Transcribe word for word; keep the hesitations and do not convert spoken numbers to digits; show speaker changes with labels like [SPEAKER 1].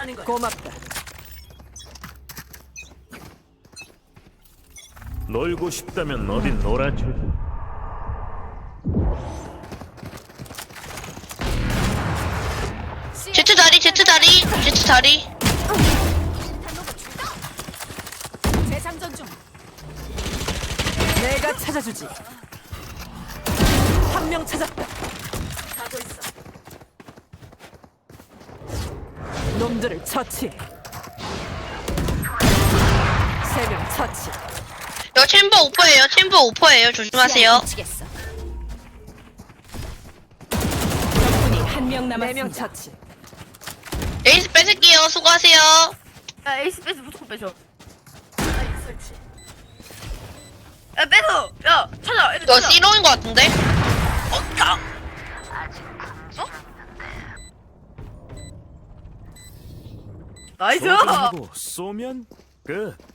[SPEAKER 1] 가는 거야.
[SPEAKER 2] 고맙다.
[SPEAKER 3] 놀고 싶다면 어딘 놀아줘.
[SPEAKER 4] 제트 다리, 제트 다리, 제트 다리.
[SPEAKER 1] 재장전 중.
[SPEAKER 2] 내가 찾아주지. 한 명 찾았다.
[SPEAKER 1] 가고 있어.
[SPEAKER 2] 놈들을 처치. 세 명 처치.
[SPEAKER 4] 여 챔버 오퍼예요. 챔버 오퍼예요. 조심하세요.
[SPEAKER 1] 미치겠어.
[SPEAKER 2] 적군이 한 명 남았습니다. 네 명 처치.
[SPEAKER 4] 에이스 뺏을게요. 수고하세요.
[SPEAKER 5] 야 에이스 뺏어 무조건 뺏어.
[SPEAKER 1] 아이, 설치.
[SPEAKER 5] 야 뺏어. 야 찾아. 애들
[SPEAKER 4] 너
[SPEAKER 5] 찾아.
[SPEAKER 4] C롱인 것 같은데?
[SPEAKER 5] 어? 자. 어? 나이스.
[SPEAKER 3] 조준하고 쏘면 끝.